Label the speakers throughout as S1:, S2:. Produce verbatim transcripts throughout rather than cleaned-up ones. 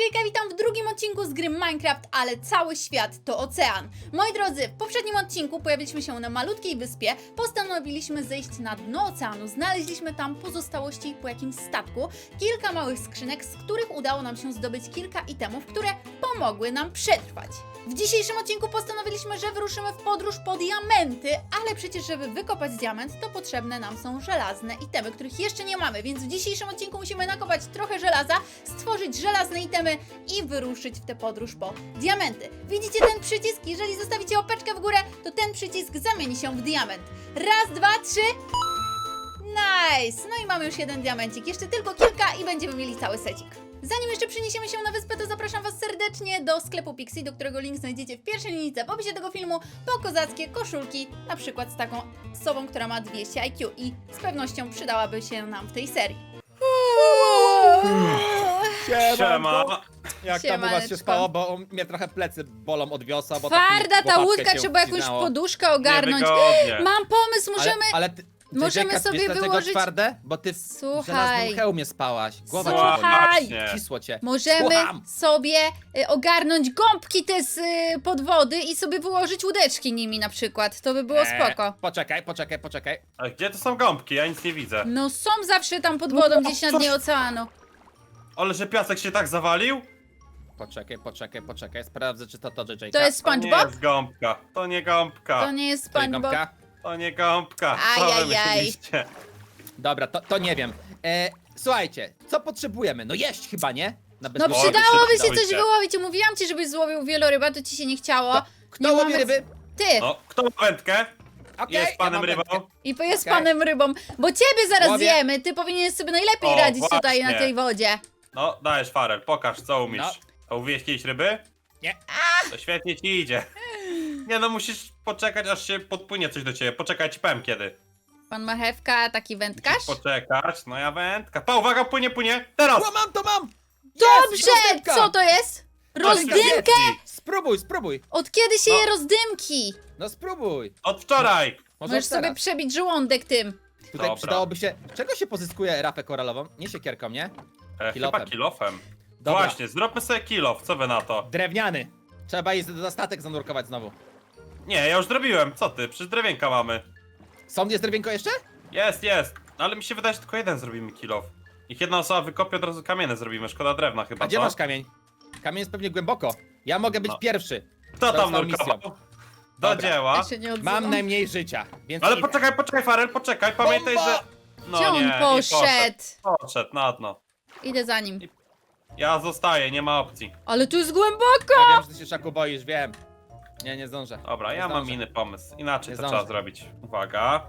S1: J J, witam w drugim odcinku z gry Minecraft, ale cały świat to ocean. Moi drodzy, w poprzednim odcinku pojawiliśmy się na malutkiej wyspie, postanowiliśmy zejść na dno oceanu, znaleźliśmy tam pozostałości po jakimś statku, kilka małych skrzynek, z których udało nam się zdobyć kilka itemów, które pomogły nam przetrwać. W dzisiejszym odcinku postanowiliśmy, że wyruszymy w podróż po diamenty, ale przecież żeby wykopać diament, to potrzebne nam są żelazne itemy, których jeszcze nie mamy, więc w dzisiejszym odcinku musimy nakopać trochę żelaza, stworzyć żelazne itemy i wyruszyć w tę podróż po diamenty. Widzicie ten przycisk? Jeżeli zostawicie łapeczkę w górę, to ten przycisk zamieni się w diament. Raz, dwa, trzy... Nice! No i mamy już jeden diamencik, jeszcze tylko kilka i będziemy mieli cały secik. Zanim jeszcze przeniesiemy się na wyspę, to zapraszam Was serdecznie do sklepu Pixie, do którego link znajdziecie w pierwszej linijce w opisie tego filmu, po kozackie koszulki, na przykład z taką osobą, która ma dwieście I Q i z pewnością przydałaby się nam w tej serii.
S2: Siema.
S3: Jak tam u was
S1: Siemaneczko.
S3: się spało, bo mnie trochę plecy bolą od wiosła, bo
S1: Twarda
S3: taki
S1: ta
S3: łopatkę
S1: łódka,
S3: się
S1: trzeba jakąś
S3: wcinało.
S1: poduszkę ogarnąć.
S2: Niewygodnie.
S1: Mam pomysł, możemy...
S3: Ale, ale ty,
S1: możemy
S3: Jacka,
S1: sobie
S3: wiesz, dlaczego
S1: wyłożyć-
S3: twarde? Bo ty w
S1: Słuchaj.
S3: żelaznym hełmie spałaś. Głowa cię
S1: Słuchaj.
S3: boli. Cisło cię.
S1: Możemy
S3: Słucham.
S1: sobie y, ogarnąć gąbki te z y, pod wody i sobie wyłożyć łódeczki nimi na przykład. To by było
S3: Eee,
S1: spoko.
S3: Poczekaj, poczekaj, poczekaj.
S2: A gdzie to są gąbki? Ja nic nie widzę.
S1: No są zawsze tam pod wodą, gdzieś na dnie oceanu.
S2: Ale że piasek się tak zawalił?
S3: Poczekaj, poczekaj, poczekaj. Sprawdzę, czy to to J J.
S1: To jest
S2: To nie
S1: SpongeBob?
S2: jest gąbka. To nie gąbka.
S1: To nie jest
S3: To jest
S1: SpongeBob.
S3: gąbka?
S2: To nie gąbka. Co wy
S1: Ajajaj.
S2: myśleliście?
S3: Dobra, to, to nie wiem. E, słuchajcie, co potrzebujemy? No jeść chyba, nie? Na
S1: No
S3: bezpieczeństwo.
S1: przydałoby się
S2: przydały
S1: coś
S2: się.
S1: wyłowić. Mówiłam ci, żebyś złowił wieloryba, to ci się nie chciało.
S3: To, kto
S1: Nie
S3: łowi
S1: mamy-
S3: ryby?
S1: Ty!
S2: No, kto ma wędkę?
S3: Okej,
S2: Jest
S3: ja
S2: panem
S3: mam
S2: rybą?
S3: wędkę.
S1: I jest
S3: Okej.
S1: panem rybą, bo ciebie zaraz
S3: Łowię.
S1: zjemy. Ty powinieneś sobie najlepiej
S2: O,
S1: radzić tutaj
S2: właśnie.
S1: na tej wodzie.
S2: No, dajesz Farel, pokaż co umiesz.
S3: No.
S2: A uwieźć kiedyś ryby?
S3: Nie.
S2: To świetnie ci idzie. Nie no, musisz poczekać aż się podpłynie coś do ciebie. Poczekaj, ci powiem kiedy.
S1: Pan Marchewka, taki wędkarz?
S2: Poczekać, no ja wędka. Pa, uwaga, płynie, płynie. Teraz!
S3: O, mam to mam!
S1: Dobrze!
S3: Jest, rozdymka!
S1: Co to jest? Rozdymkę?
S2: Rozdymki.
S3: Spróbuj, spróbuj.
S1: Od kiedy się
S2: No.
S1: je rozdymki?
S3: No spróbuj.
S2: Od wczoraj.
S3: Może
S1: Możesz
S3: od teraz.
S1: sobie przebić żołądek tym.
S3: Tutaj
S2: Dobra.
S3: przydałoby się... Czego się pozyskuje rafę koralową? Nie siekierką, nie?
S2: E,
S3: Kilofem.
S2: chyba kilofem.
S3: Dobra.
S2: Właśnie, zróbmy sobie kilof, co wy na to?
S3: Drewniany. Trzeba iść za statek zanurkować znowu.
S2: Nie, ja już zrobiłem, co ty? Przecież drewienka mamy.
S3: Są jest drewienko jeszcze?
S2: Jest, jest. Ale mi się wydaje, że tylko jeden zrobimy kilof. Niech jedna osoba wykopie, od razu kamienne zrobimy. Szkoda drewna chyba,
S3: A gdzie
S2: co?
S3: masz kamień? Kamień jest pewnie głęboko. Ja mogę być
S2: No.
S3: pierwszy.
S2: Kto tam
S3: Został
S2: nurkował?
S3: misją.
S2: Do
S3: Dobra.
S2: dzieła.
S1: Ja się nie odzywam.
S3: Mam najmniej życia, więc
S2: Ale
S3: idę.
S2: poczekaj, poczekaj, Farel, poczekaj. Pamiętaj,
S3: Bomba!
S2: że... No
S1: Gdzie on
S2: nie, nie
S1: poszedł?
S2: Poszedł na dno.
S1: Idę za nim.
S2: Ja zostaję, nie ma opcji.
S1: Ale tu jest głęboko!
S3: Ja wiem, że ty się Szaku boisz, wiem. Nie, nie zdążę.
S2: Dobra,
S3: Nie
S2: ja mam
S3: zdążę.
S2: inny pomysł. Inaczej
S3: Nie
S2: to
S3: zdążę.
S2: trzeba zrobić. Uwaga.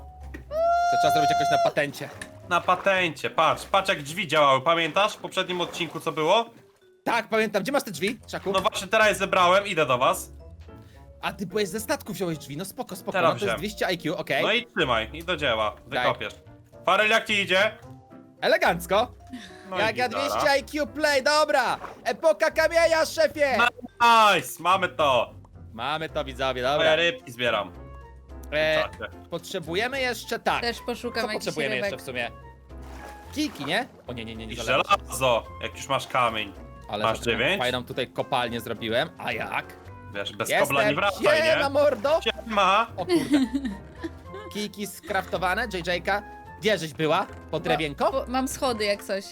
S3: To trzeba zrobić jakoś na patencie.
S2: Na patencie, patrz, patrz jak drzwi działały, pamiętasz w poprzednim odcinku co było?
S3: Tak, pamiętam. Gdzie masz te drzwi, Szaku?
S2: No właśnie teraz je zebrałem, idę do was.
S3: A ty byłeś ze statku, wziąłeś drzwi. No spoko, spoko.
S2: Teraz
S3: No to jest
S2: wziąłem.
S3: dwieście I Q, okej.
S2: No i trzymaj, i do dzieła, wykopiesz. Farel, jak ci idzie?
S3: Elegancko.
S2: No
S3: Jak
S2: i
S3: ja
S2: gitara.
S3: dwieście I Q play, dobra. Epoka kamienia, szefie.
S2: Nice, mamy to.
S3: Mamy to, widzowie,
S2: Moje
S3: dobra.
S2: rybki zbieram.
S3: E,
S2: Czacie.
S3: potrzebujemy jeszcze tak.
S1: Też poszukam
S3: Co
S1: jakichś
S3: potrzebujemy
S1: rybek.
S3: jeszcze w sumie? Kijki, nie? O nie, nie, nie, nie
S2: I
S3: zależy.
S2: żelazo, jak już masz kamień.
S3: Ale
S2: Masz
S3: za taką
S2: dziewięć?
S3: fajną tutaj kopalnię zrobiłem. A jak?
S2: Wiesz, bez
S3: Jestem.
S2: kobla nie wracaj,
S3: Siema,
S2: nie?
S3: mordo.
S2: Siema.
S3: O kurde. Kijki skraftowane, J J-ka. Gdzie żeś była? Pod drewienko?
S1: Bo, mam schody jak coś.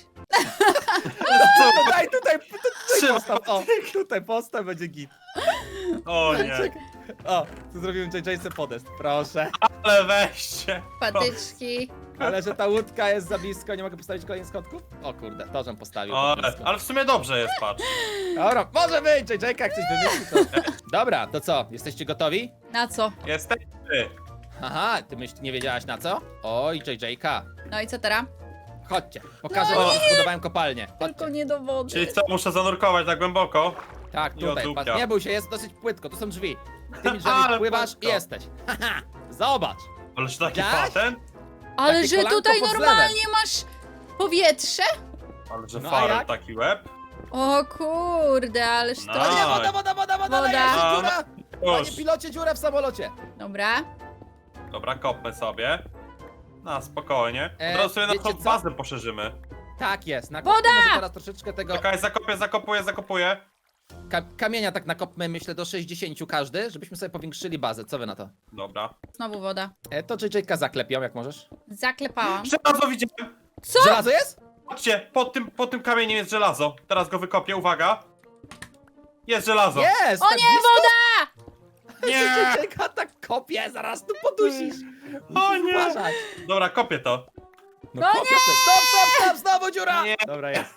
S3: No, daj tutaj, tutaj
S2: Trzyma.
S3: postaw. O, tutaj postaw, będzie git.
S2: O nie,
S3: O, tu zrobiłem J J-ce podest, proszę.
S2: ale weźcie.
S1: Patyczki.
S3: Ale że ta łódka jest za blisko, nie mogę postawić kolejnych schodków? O kurde, to żem postawił.
S2: O,
S3: za
S2: ale,
S3: blisko.
S2: ale w sumie dobrze jest, patrz.
S3: Dobra, może być, J J-ka, jak coś wymyśli to... Dobra, to co, jesteście gotowi?
S1: Na co?
S2: Jesteś ty.
S3: Aha, ty myśl, nie wiedziałaś na co? Oj, J J-ka.
S1: No i co teraz?
S3: Chodźcie, pokażę
S2: No
S3: wam, jak zbudowałem kopalnię.
S1: Tylko
S3: Chodźcie.
S1: nie do wody.
S2: Czyli co, muszę zanurkować tak głęboko?
S3: Tak,
S2: I
S3: tutaj,
S2: odłupia.
S3: patrz, nie bój się, jest dosyć płytko, tu są drzwi. Tymi drzwiami
S2: Ale
S3: pływasz i
S2: płytko.
S3: jesteś. Haha, zobacz.
S2: Ależ taki
S3: Widziałaś?
S2: patent?
S1: Ale
S3: takie
S1: że
S3: kolanko
S1: tutaj
S3: pod
S1: normalnie masz powietrze?
S2: Ale że
S3: No, a
S2: Farel
S3: jak?
S2: taki łeb?
S1: O kurde, ależ
S2: No.
S1: to...
S3: O nie,
S2: Daj.
S3: woda, woda, woda, woda,
S1: Woda.
S3: dajesz,
S2: No,
S3: dziura. Panie
S2: Już.
S3: pilocie, dziura w samolocie.
S1: Dobra.
S2: Dobra, kopmy sobie. Na spokojnie.
S3: E,
S2: Od razu sobie
S3: wiecie
S2: naszą
S3: co?
S2: bazę poszerzymy.
S3: Tak jest, na
S1: Woda!
S3: może teraz troszeczkę tego
S2: Czekaj, zakopię, zakopuję, zakopuję.
S3: ka kamienia tak nakopmy, myślę, do sześćdziesięciu każdy, żebyśmy sobie powiększyli bazę. Co wy na to?
S2: Dobra.
S1: Znowu woda.
S3: E, to J J-ka zaklepią, jak możesz.
S1: Zaklepałam.
S2: Żelazo widziałem!
S1: Co?
S3: Żelazo jest?
S2: Patrzcie, pod tym, pod tym kamieniem jest żelazo. Teraz go wykopię, uwaga. Jest żelazo.
S3: Jest!
S1: O
S3: tak
S1: nie,
S3: blisko?
S1: woda!
S2: Nie!
S3: J J-ka tak kopie, zaraz tu podusisz.
S2: O
S3: Musisz
S2: nie!
S3: uważać.
S2: Dobra, kopię to.
S3: No,
S1: No
S3: kopiesz te- Stop, stop, stop, znowu dziura!
S2: Nie.
S3: Dobra, jest.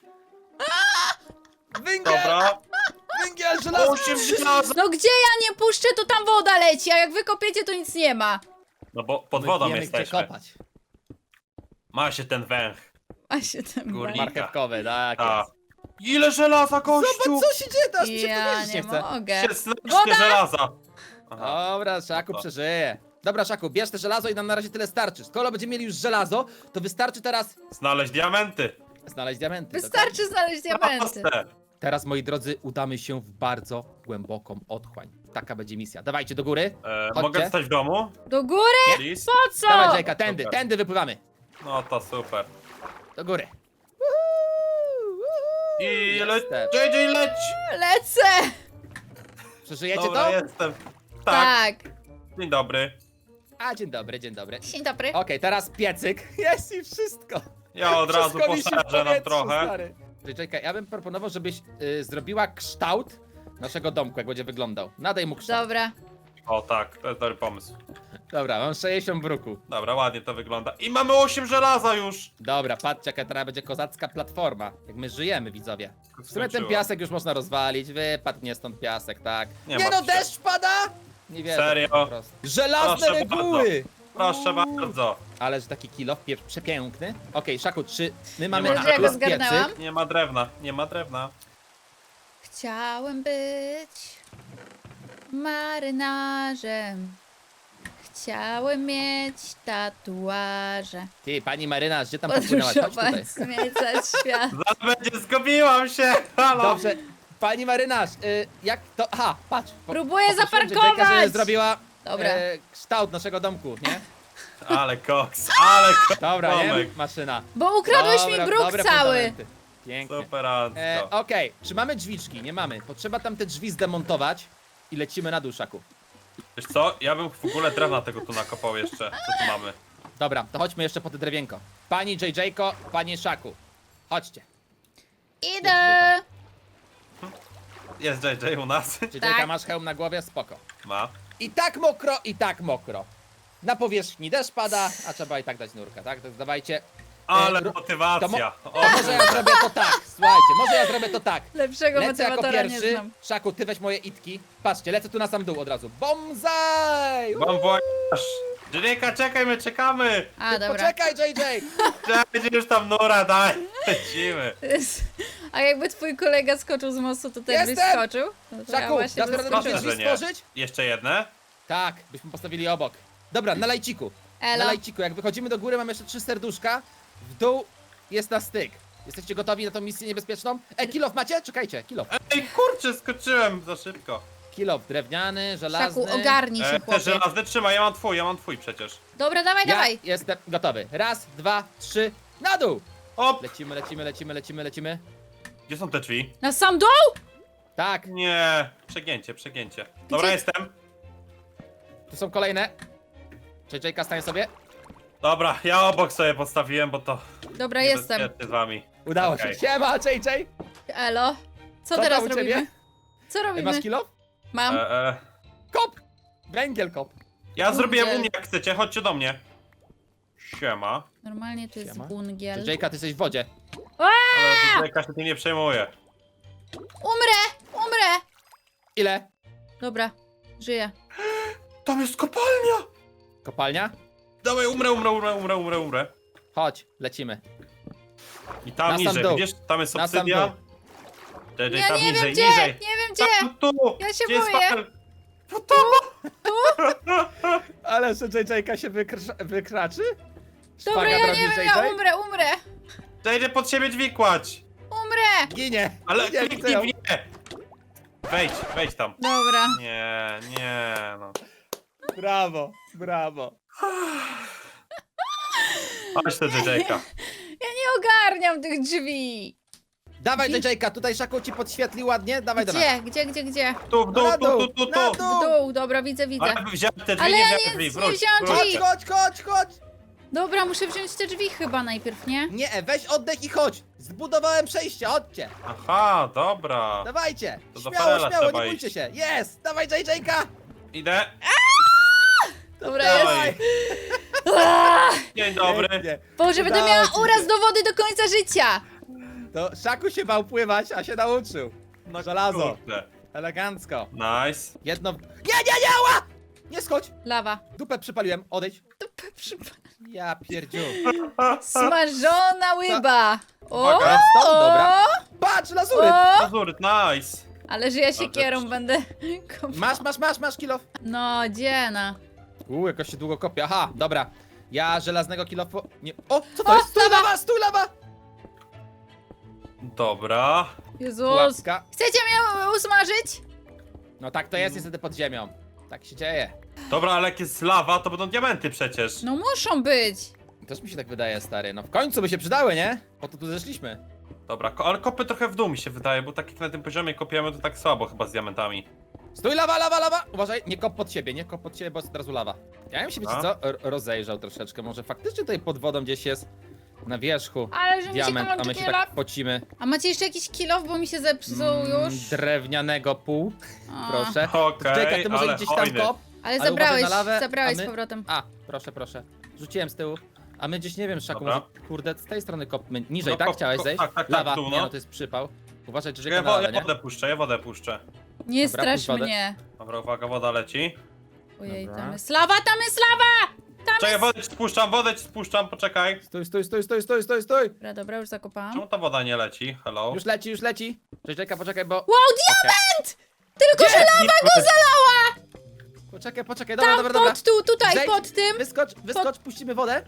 S3: Węgiel!
S2: Dobra.
S3: Węgiel, żelazo!
S2: Osiem żelaza.
S1: No gdzie ja nie puszczę, to tam woda leci, a jak wykopiecie, to nic nie ma.
S2: No bo pod
S3: My
S2: wodą
S3: wiemy, gdzie
S2: jesteśmy.
S3: kopać.
S2: Ma się ten węch.
S1: A się ten
S2: Górnik.
S3: Marchewkowy, tak
S2: A.
S3: jest.
S2: Ile żelaza, gościu!
S3: Zobacz, co się dzieje, teraz mi się w to
S1: Ja
S3: wierzyć
S1: nie
S3: nie chce.
S1: mogę.
S2: szesnaście
S1: Woda!
S2: żelaza. Aha.
S3: Dobra, Szaku
S2: No to.
S3: przeżyje. Dobra, Szaku, bierz te żelazo i nam na razie tyle starczy. Skoro będziemy mieli już żelazo, to wystarczy teraz
S2: Znaleźć diamenty.
S3: znaleźć diamenty.
S1: Wystarczy znaleźć diamenty.
S2: Proste.
S3: Teraz, moi drodzy, udamy się w bardzo głęboką otchłań. Taka będzie misja. Dawajcie do góry.
S2: E,
S3: Chodźcie.
S2: mogę zostać w domu?
S1: Do góry?
S2: Please?
S1: Po co?
S3: Dawaj, Jajka, tędy,
S2: Super.
S3: tędy wypływamy.
S2: No to super.
S3: Do góry.
S2: I le...
S3: Jestem.
S2: J J leć!
S1: Lecę!
S3: Przeżyjecie
S2: Dobra,
S3: to?
S2: jestem. Tak.
S1: Tak.
S2: Dzień dobry.
S3: A, dzień dobry, dzień dobry.
S1: Dzień dobry.
S3: Okej, teraz piecyk. Jest i wszystko.
S2: Ja od razu
S3: Wszystko wisi w
S2: poszerzę nam
S3: powietrzu,
S2: trochę.
S3: stary. Jajka, ja bym proponował, żebyś y, zrobiła kształt naszego domku, jak będzie wyglądał. Nadaj mu kształt.
S1: Dobra.
S2: O tak, to jest dobry pomysł.
S3: Dobra, mam sześćdziesiąt bruku.
S2: Dobra, ładnie to wygląda. I mamy osiem żelaza już!
S3: Dobra, patrzcie, jaka teraz będzie kozacka platforma. Jak my żyjemy, widzowie. W sumie ten
S2: Skończyło.
S3: piasek już można rozwalić. Wypadł mnie stąd piasek, tak.
S2: Nie
S3: Nie,
S2: ma
S3: no,
S2: się.
S3: deszcz pada! Nie wierzę.
S2: Serio?
S3: po prostu. Żelazne
S2: Proszę
S3: reguły!
S2: Proszę
S3: Uuu.
S2: bardzo.
S3: Ale że taki kilof pie- przepiękny. Okej, Szaku, czy my mamy
S2: ma
S1: Dobrze, ja go
S2: Plus
S1: zgarnęłam.
S2: Nie ma drewna, nie ma drewna.
S1: Chciałem być marynarzem. Chciałem mieć tatuaże.
S3: Ty, pani marynarz, gdzie tam popłynęłaś? Chodź tutaj.
S1: Podróżować, zwiedzać świat.
S2: Zaraz będzie, zgubiłam się! Halo!
S3: Dobrze, pani marynarz, y, jak to... Aha, patrz. po-
S1: Próbuję
S3: poprosiłem
S1: zaparkować!
S3: Jajka, żeby zrobiła
S1: Dobra.
S3: e, kształt naszego domku, nie?
S2: Ale koks, ale koks!
S3: Dobra,
S2: Tomek.
S3: nie? Maszyna.
S1: Bo ukradłeś
S3: Dobra,
S1: mi bruk
S3: dobre
S1: cały.
S3: fundamenty. Pięknie.
S2: Superancko.
S3: E, Okej, czy mamy drzwiczki? Nie mamy. Potrzeba tam te drzwi zdemontować i lecimy na dół, Szaku.
S2: Wiesz co, ja bym w ogóle drewna tego tu nakopał jeszcze. Co tu mamy?
S3: Dobra, to chodźmy jeszcze po te drewienko. Pani J J-ko, panie Szaku. Chodźcie.
S1: Idę.
S2: Jest J J u nas?
S3: J J-ka,
S1: Tak.
S3: masz hełm na głowie? Spoko.
S2: Ma.
S3: I tak mokro, i tak mokro. Na powierzchni deszcz pada, a trzeba i tak dać nurka, tak? To dawajcie.
S2: Ale
S3: E, ru-
S2: motywacja.
S3: To, mo-
S2: O,
S3: to może ja zrobię to tak, słuchajcie, może ja zrobię to tak.
S1: Lepszego
S3: Lecę jako
S1: motywatora nie
S3: pierwszy.
S1: znam.
S3: Szaku, ty weź moje itki. Patrzcie, lecę tu na sam dół od razu. Bomzaj!
S2: Mam wojaż. J J, czekaj, my czekamy.
S1: A, dobra.
S3: Poczekaj, J J!
S2: Czekaj, już tam nura, daj. Lecimy.
S1: A jakby twój kolega skoczył z mostu, to też byś
S3: Jestem!
S1: skoczył? No to ja
S3: Szaku,
S1: właśnie
S3: dasz
S1: bym
S3: radę
S1: skoczyła.
S3: te drzwi
S2: że nie.
S3: stworzyć?
S2: Jeszcze jedne?
S3: Tak, byśmy postawili obok. Dobra, na lajciku. Na
S1: Elo.
S3: lajciku, jak wychodzimy do góry, mamy jeszcze trzy serduszka. W dół jest na styk. Jesteście gotowi na tą misję niebezpieczną? E, kilof macie? Czekajcie, kilof.
S2: Ej, kurczę, skoczyłem za szybko.
S3: Kilof drewniany, żelazny.
S1: Szaku, ogarnij się,
S2: E, te
S1: chłopie.
S2: żelazne trzymaj, ja mam twój, ja mam twój przecież.
S1: Dobra, dawaj,
S3: Ja
S1: dawaj.
S3: jestem gotowy. Raz, dwa, trzy, na dół!
S2: Op!
S3: Lecimy, lecimy, lecimy, lecimy, lecimy.
S2: Gdzie są te drzwi?
S1: Na sam dół?
S3: Tak,
S2: Nie, przegięcie, przegięcie. Dobra,
S1: Gdzie-
S2: jestem.
S3: tu są kolejne. J J-ka, stań sobie.
S2: Dobra, ja obok sobie postawiłem, bo to
S1: Dobra, jestem.
S2: niebezpiecznie z wami.
S3: Udało
S2: Okej.
S3: się. Siema, J J!
S1: Elo. Co,
S3: Co
S1: teraz
S3: tam u
S1: robimy?
S3: ciebie?
S1: Co
S3: E,
S1: robimy?
S3: Masz kilof?
S1: Mam.
S2: E, e,
S3: Kop! Węgiel kop.
S2: ja
S1: Kurde.
S2: zrobiłem u mnie, jak chcecie, chodźcie do mnie. Siema.
S1: Normalnie to jest
S3: Siema.
S1: bungiel.
S3: J J-ka, ty jesteś w wodzie.
S2: Ale Jaka się tym nie przejmuje.
S1: Umrę! Umrę!
S3: Ile?
S1: Dobra, żyję.
S2: Tam jest kopalnia!
S3: Kopalnia?
S2: Dawaj, umrę, umrę, umrę, umrę, umrę, umrę.
S3: Chodź, lecimy.
S2: I tam
S3: Na sam
S2: niżej,
S3: dół.
S2: widzisz? Tam jest
S3: Na sam
S2: obsydian.
S3: dół.
S2: J J,
S1: Ja
S2: tam
S1: nie
S2: niżej,
S1: wiem gdzie!
S2: niżej.
S1: Nie wiem gdzie!
S2: Tam, tu!
S1: Ja się
S2: Gdzie jest
S1: boję.
S2: papel?
S3: Ale że J J-ka się wykr- wykraczy?
S1: Dobra,
S3: Szpaga
S1: ja
S3: robi
S1: nie wiem,
S3: J
S1: ja
S3: J?
S1: umrę, umrę!
S2: J J, pod siebie drzwi kładź.
S1: Umrę!
S3: Ginie!
S2: Ale
S3: Ginie,
S2: kliknij
S3: chcę
S2: w nie. Wejdź, wejdź tam.
S1: Dobra.
S2: Nie, nie, no.
S3: Brawo, brawo.
S2: Chodź to J J-ka.
S1: Ja nie ogarniam tych drzwi.
S3: Dawaj,
S1: Drzwi?
S3: J J K, tutaj Szaku ci podświetli ładnie, dawaj do nas.
S1: Gdzie, gdzie, gdzie, gdzie?
S2: Tu, w dół,
S3: Na
S2: tu,
S3: dół,
S2: tu, tu,
S3: na
S2: tu.
S3: dół.
S1: W dół, dobra, widzę, widzę.
S2: Ale wziąłem te drzwi,
S1: Ale
S2: nie
S1: ja
S2: wziąłem
S1: nie-
S2: te drzwi,
S1: nie
S2: wróć,
S1: wziąłam
S2: wróć.
S1: drzwi.
S3: Chodź, chodź, chodź, chodź!
S1: Dobra, muszę wziąć te drzwi chyba najpierw, nie?
S3: Nie, weź oddech i chodź! Zbudowałem przejście, chodźcie!
S2: Aha, dobra.
S3: Dawajcie!
S2: To do
S3: Śmiało,
S2: Farela
S3: śmiało,
S2: trzeba
S3: nie bójcie
S2: iść.
S3: się! Jest! Dawaj, J J K!
S2: Idę.
S1: Dobra,
S2: Dawaj.
S1: jest. Aaa!
S2: Dzień dobry.
S3: Pięknie.
S1: Boże, będę
S3: Udało
S1: miała
S3: ci się.
S1: uraz do wody do końca życia.
S3: To Szaku się bał pływać, a się nauczył.
S2: No
S3: Żelazo.
S2: kurde.
S3: Elegancko.
S2: Nice.
S3: Jedno... Nie, nie, nie, ła! Nie schodź!
S1: Lawa.
S3: Dupę przypaliłem, odejdź.
S1: Dupę przypa-
S3: Ja pierdziu.
S1: Smażona łyba. O,
S2: Uwaga,
S3: stąd, dobra.
S1: o,
S3: Patrz, lazury!
S1: o.
S2: Azuryt, nice.
S1: Ale że ja
S2: Dobrze.
S1: siekierą będę kopała.
S3: Masz, masz, masz, masz kilo.
S1: No, dziena.
S3: Uuu, jakoś się długo kopie. Aha, dobra. Ja żelaznego kilofu... Nie... O, co to
S1: O,
S3: jest? Stój
S1: lawa!
S3: lawa, stój lawa!
S2: Dobra.
S1: Jezus.
S3: Pułapka.
S1: Chcecie mnie usmażyć?
S3: No tak to jest niestety pod ziemią. Tak się dzieje.
S2: Dobra, ale jak jest lawa, to będą diamenty przecież.
S1: No muszą być.
S3: Też mi się tak wydaje, stary. No w końcu by się przydały, nie? Po to tu zeszliśmy.
S2: Dobra, ko ale kopy trochę w dół mi się wydaje, bo tak jak na tym poziomie kopiemy, to tak słabo chyba z diamentami.
S3: Stój, lawa, lawa, lawa! Uważaj, nie kop pod siebie, nie kop pod siebie, bo jest od razu lawa. Ja bym się, wiecie
S2: A?
S3: co, R rozejrzał troszeczkę. Może faktycznie tutaj pod wodą gdzieś jest na wierzchu
S1: Ale że mi się
S3: diament, a my
S1: kończy
S3: się
S1: kilof.
S3: tak pocimy.
S1: A macie jeszcze jakiś kilof, bo mi się zepsuł
S3: Mm,
S1: już?
S3: drewnianego pół,
S1: A.
S3: proszę.
S2: Okej,
S3: Czekaj, ty może
S2: ale
S3: gdzieś tam
S2: hojny.
S3: kop.
S1: Ale
S3: Ale
S1: zabrałeś,
S3: uważaj na lawę,
S1: zabrałeś
S3: a my-
S1: z powrotem.
S3: A, proszę, proszę. Rzuciłem z tyłu. A my gdzieś, nie wiem, Szaku,
S2: Dobra.
S3: może, kurde, z tej strony kopmy. Niżej,
S2: No,
S3: tak?
S2: kop-
S3: Chciałeś
S2: kop-
S3: zejść?
S2: tak, tak, tak,
S3: Lawa,
S2: w dół,
S3: nie
S2: no.
S3: no, to jest przypał. Uważaj, że
S2: Ja,
S3: czeka na
S2: wo
S3: lawę,
S2: ja
S3: nie?
S2: wodę puszczę, ja wodę puszczę.
S1: Nie
S3: Dobra,
S1: strasz
S3: puść wodę.
S1: mnie.
S2: Dobra, uwaga, woda leci.
S1: Ojej,
S3: Dobra.
S1: tam jest lawa, tam jest lawa! Tam
S2: Czekaj,
S1: jest...
S2: wodę ci spuszczam, wodę ci spuszczam, poczekaj.
S3: Stój, stój, stój, stój, stój, stój, stój!
S1: Dobra, dobra, już zakopałam.
S2: Czemu ta woda nie leci? Hello?
S3: Już leci, już leci. Cześć, czekaj, poczekaj, bo...
S1: Wow, diament! Tylko, że lawa go zalała!
S3: Poczekaj, poczekaj, dobra,
S1: Tam,
S3: dobra, dobra.
S1: pod tu, tutaj,
S3: Zejdź,
S1: pod tym.
S3: Wyskocz, wyskocz, puścimy wodę.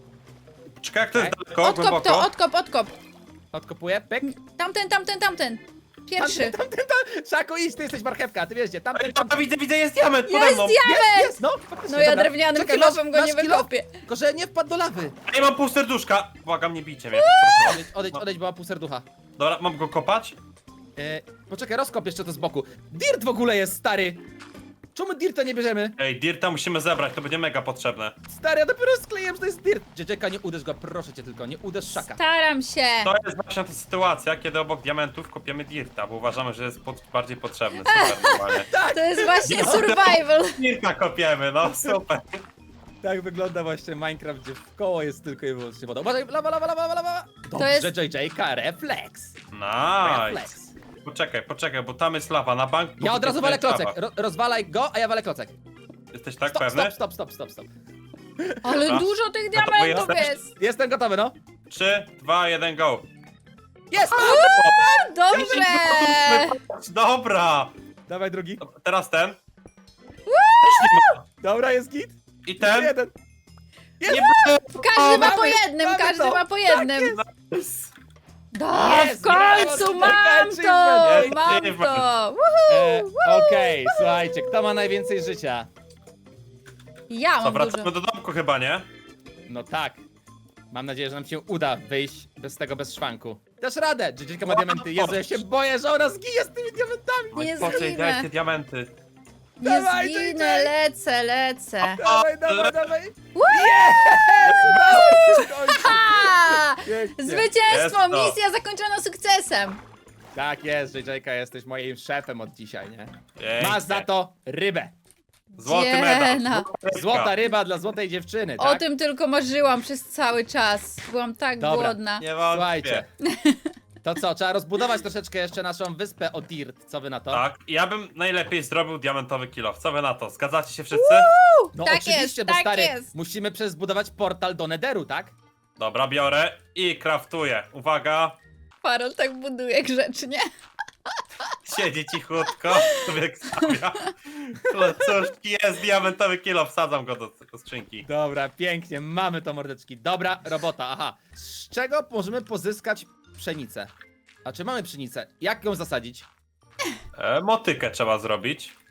S2: Czekaj, jak to jest
S3: Okej.
S2: daleko,
S1: Odkop
S2: głęboko?
S1: to, odkop, odkop.
S3: Odkopuję, pyk.
S1: Tamten, tamten, tamten. Pierwszy.
S3: Tamten, tamten, tam. Szaku, idź, ty jesteś marchewka, ty wiesz gdzie, tamten,
S2: Ej, tam,
S3: tamten.
S2: widzę, widzę, jest diament pode
S1: Jest
S2: mną.
S1: diament!
S3: Jest, jest, no, faktycznie,
S1: No ja
S3: dobra.
S1: drewnianym
S3: Czekaj,
S1: kilofem
S3: masz-
S1: go
S3: masz
S1: nie
S3: kilo?
S1: wykopię.
S3: Tylko, że nie wpadł do lawy.
S2: Ej, mam pół serduszka. Błagam, nie bijcie mnie.
S3: Odejdź, odejdź, odejdź, bo mam pół serducha.
S2: Dobra, mam go kopać?
S3: E, poczekaj, rozkop jeszcze to z boku. Dirt w ogóle jest, stary. Czemu dirta nie bierzemy?
S2: Ej, dirta musimy zebrać, to będzie mega potrzebne.
S3: Stary, ja dopiero skleiłem, że to jest dirt. Dzieciaka, nie uderz go, proszę cię tylko, nie uderz Szaka.
S1: Staram się.
S2: To jest właśnie ta sytuacja, kiedy obok diamentów kopiemy dirta, bo uważamy, że jest pod, bardziej potrzebny. Super, normalnie.
S1: To jest właśnie
S2: Ja-
S1: survival.
S2: Dirta kopiemy, no super.
S3: Tak wygląda właśnie Minecraft, gdzie w koło jest tylko i wyłącznie woda. Uważaj, lawa, lawa, lawa, lawa, lawa. Dobrze,
S1: jest-
S3: J J K, refleks.
S2: Nice.
S3: Refleks.
S2: Poczekaj, poczekaj, bo tam jest lawa na bank.
S3: Ja od razu walę
S2: lawa.
S3: klocek. Ro rozwalaj go, a ja walę klocek.
S2: Jesteś tak
S3: Stop,
S2: pewny?
S3: stop, stop, stop, stop, stop.
S1: Ale
S2: Dobra.
S1: dużo tych
S2: Gotowy
S1: diamentów
S2: jesteś?
S1: jest.
S3: Jestem gotowy, no.
S2: trzy, dwa, jeden, go.
S3: Jest!
S1: Dobrze.
S2: Dobra.
S3: Dawaj drugi.
S2: Teraz ten. Też nie ma.
S3: Dobra, jest git.
S2: I ten.
S3: Jeden.
S2: Nie
S1: Każdy ma
S3: mamy-
S1: po jednym,
S3: mamy
S1: każdy
S3: to.
S1: ma po jednym.
S2: jest.
S1: Da,
S3: Jest,
S1: w końcu
S3: brawo,
S1: mam
S3: J J K
S1: to,
S2: achievement.
S1: mam
S2: Achievement.
S1: to.
S3: E, Okej, słuchajcie, kto ma najwięcej życia?
S1: Ja
S2: Co,
S1: mam
S2: wracamy
S1: dużo.
S2: do domku chyba, nie?
S3: No tak. Mam nadzieję, że nam się uda wyjść bez tego, bez szwanku. Dasz radę! J J K ma diamenty. Jezu, ja się boję, że ona zginie z tymi diamentami.
S2: Oj,
S1: Nie
S2: po co jej
S1: zginę.
S2: dać te diamenty?
S1: Nie
S3: Dawaj,
S1: zginę,
S3: J J.
S1: lecę, lecę.
S3: Dawaj, dawaj, dawaj.
S1: Woo!
S3: Jest! Udało się w końcu.
S1: Ha!
S3: Pięknie.
S1: Zwycięstwo!
S2: Jest to.
S1: Misja zakończona sukcesem!
S3: Tak jest, J J K, jesteś moim szefem od dzisiaj, nie?
S2: Pięknie.
S3: Masz za to rybę.
S2: Złoty
S1: Dziena.
S2: medal.
S3: Złota ryba dla złotej dziewczyny,
S1: O
S3: tak?
S1: tym tylko marzyłam przez cały czas. Byłam tak
S3: Dobra.
S1: głodna.
S2: Nie wątpię.
S3: Słuchajcie. To co, trzeba rozbudować troszeczkę jeszcze naszą wyspę o Dirt. Co wy na to?
S2: Tak, ja bym najlepiej zrobił diamentowy kilof. Co wy na to? Zgadzacie się wszyscy?
S3: No
S1: Tak
S3: oczywiście,
S1: jest,
S3: bo
S1: tak
S3: stary,
S1: jest.
S3: musimy przezbudować portal do Netheru, tak?
S2: Dobra, biorę i craftuję. Uwaga,
S1: Farol tak buduje grzecznie.
S2: siedzi cichutko, sobie stawia. No cóż, jest diamentowy kilof, wsadzam go do, do skrzynki.
S3: Dobra, pięknie, mamy to mordeczki. Dobra robota, aha. Z czego możemy pozyskać pszenicę? A czy mamy pszenicę? Jak ją zasadzić?
S2: E, motykę trzeba zrobić.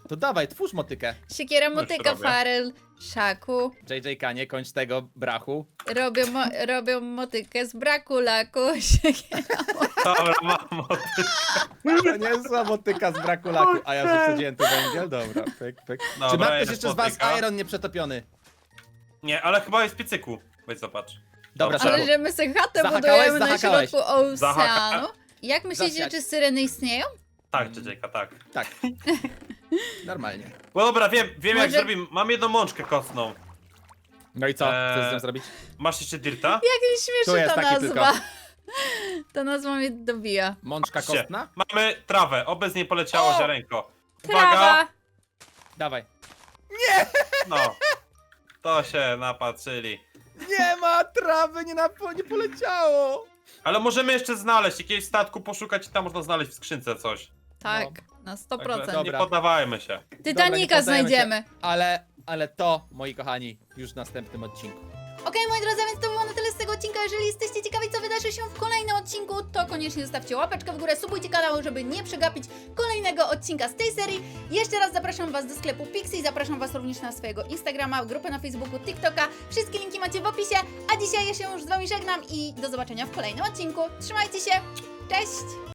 S3: To dawaj, twórz motykę.
S1: Siekiera,
S2: Już
S1: motyka,
S2: robię.
S1: Faryl, Szaku.
S3: J J K, nie kończ tego brachu.
S1: Robią, mo robią motykę z braku laku. Siekiera.
S2: Dobra, mam motykę.
S3: To nie jest zła motyka z braku laku. A ja że wsadziłem tu węgiel? Dobra, pyk, pyk.
S2: Dobra,
S3: Czy ma ktoś
S2: jest
S3: jeszcze z was
S2: motyka.
S3: iron nieprzetopiony?
S2: Nie, ale chyba jest w piecyku. Weź zobacz.
S3: Dobra,
S2: Dobrze.
S1: Ale że my sobie chatę
S3: Zahakałeś?
S1: budujemy na
S3: Zahakałeś.
S1: środku oceanu.
S2: Zahaka-
S1: Jak myślicie,
S3: Zasiać.
S1: czy syreny istnieją?
S2: Tak, J J K, tak.
S3: Tak. Normalnie.
S2: No dobra, wiem, wiem jak
S1: Może-
S2: zrobimy. Mam jedną mączkę kostną.
S3: No i co? Co z
S2: Eee,
S3: tym zrobić?
S2: Masz jeszcze dirta?
S1: Jak mi
S3: Tu
S1: śmieszy
S3: jest
S1: ta
S3: taki
S1: nazwa. Ta nazwa mnie dobija.
S3: Mączka
S2: Patrzcie,
S3: kostna?
S2: Mamy trawę, oby z niej poleciało
S3: O!
S2: ziarenko.
S1: Trawa.
S2: Uwaga!
S3: Dawaj.
S2: No. To się napatrzyli.
S3: Nie ma trawy, nie, na, nie poleciało.
S2: Ale możemy jeszcze znaleźć, jakiegoś statku poszukać i tam można znaleźć w skrzynce coś.
S1: Tak, na sto
S2: Także
S1: procent.
S3: Dobra.
S2: nie poddawajmy się.
S3: Dobra, nie
S1: Titanica
S3: poddajemy się.
S1: znajdziemy.
S3: Ale, ale to, moi kochani, już w następnym odcinku.
S1: Okej, moi drodzy, więc to było na tyle z tego odcinka. Jeżeli jesteście ciekawi, co wydarzy się w kolejnym odcinku, to koniecznie zostawcie łapeczkę w górę, subujcie kanał, żeby nie przegapić kolejnego odcinka z tej serii. Jeszcze raz zapraszam Was do sklepu Pixie, zapraszam Was również na swojego Instagrama, grupę na Facebooku, TikToka. Wszystkie linki macie w opisie, a dzisiaj ja się już z Wami żegnam i do zobaczenia w kolejnym odcinku. Trzymajcie się, cześć!